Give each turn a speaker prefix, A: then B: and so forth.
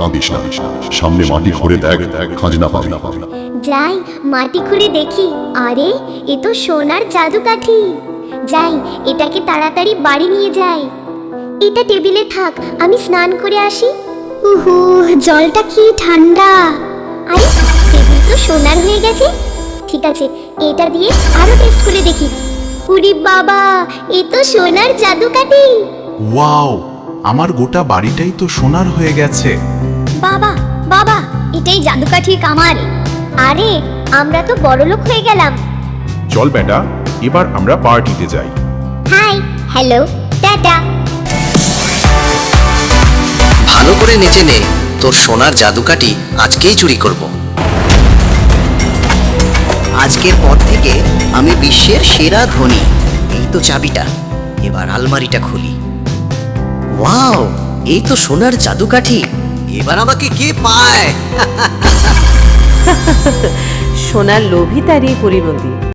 A: কাঁদিস না, সামনে মাটি খুঁড়ে দেখ, খাজনা পাবি।
B: যাই মাটি খুঁড়ে দেখি। আরে এ তো সোনার জাদুকাঠি। যাই এটাকে তাড়াতাড়ি বাড়ি নিয়ে যাই। এটা টেবিলে থাক, আমি স্নান করে আসি। উহু, জলটা কি ঠান্ডা। আরে টেবিল তো সোনার হয়ে গেছে। ঠিক আছে, এটা দিয়ে আরো টেস্ট করে দেখি। উরি বাবা, এ তো সোনার জাদুকাঠি।
C: ওয়াও, আমার গোটা বাড়িটাই তো সোনার হয়ে গেছে।
B: বাবা বাবা, এটাই জাদুকাঠির কামাল। আরে আমরা তো বড়লোক হয়ে গেলাম।
C: চল বেটা, এবার আমরা পার্টিতে যাই।
B: Hi, hello, tata.
D: ভালো করে নেচে নে, তোর সোনার জাদুকাঠি আজকেই চুরি করব। আজকের পর থেকে আমি বিশ্বের সেরা ধনী। এই তো চাবিটা, এবার আলমারিটা খুলি। ওয়াও, এই তো সোনার জাদুকাঠি। এবার আমাকে কে পায়?
E: সোনার লোভী তারই পরিণতি।